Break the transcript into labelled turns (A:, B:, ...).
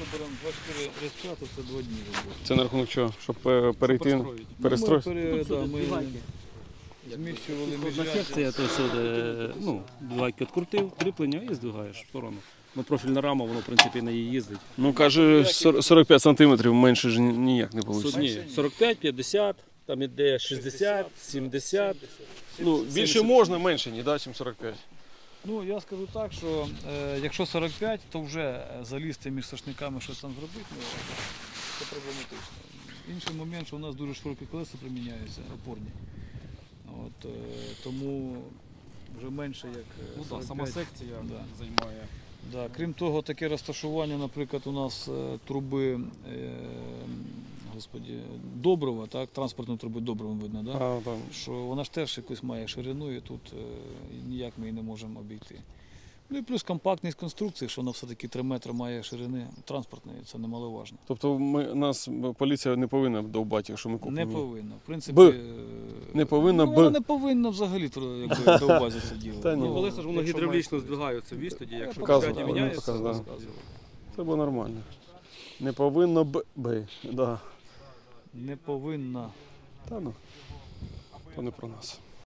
A: беремо 24 розп'яту, це 2 дні роботи.
B: Це на рахунок чого? Щоб перейти, перестроїти?
A: Ми зміщували
C: Одна
A: міжряддя.
C: секція, то все, ну, двигайки відкрутив, кріплення і здвигаєш в сторону. Ну, профільна рама, воно, в принципі, на її їздить.
B: Ну, каже, 45 сантиметрів менше ж ніяк не вийде.
C: Ні, 45, 50, там іде 60, 70.
B: Ну, більше можна, менше ні, да, ніж 45.
A: Ну, я скажу так, що якщо 45, то вже залізти між сошниками щось там зробити, ну, це проблематично. Інший момент, що у нас дуже широкі колеса приміняються, опорні. От, тому вже менше як 45.
C: Сама секція займає.
A: Да. Крім того, таке розташування, наприклад, у нас труби Доброва, так, транспортної труби Доброва видно, да?
B: Там.
A: Що вона ж теж якусь має ширину і тут ніяк ми її не можемо обійти. Ну і плюс компактність конструкції, що вона все-таки 3 метри має ширини транспортної, це немаловажно.
B: Тобто нас поліція не повинна довбати, якщо ми купимо?
A: Не повинна. В принципі,
B: Не повинна
A: вона не повинна взагалі довбати це діло.
B: Та ні.
A: Ну,
C: Колеса ж воно
A: якщо
C: гідравлічно
A: має-
C: здвигаються віз тоді, якщо
B: Показував,
C: п'яті міняється,
B: показував, да.
C: розказував.
B: Це було нормально. Не повинно да.
A: Не повинна.
B: Та ну, то не про нас.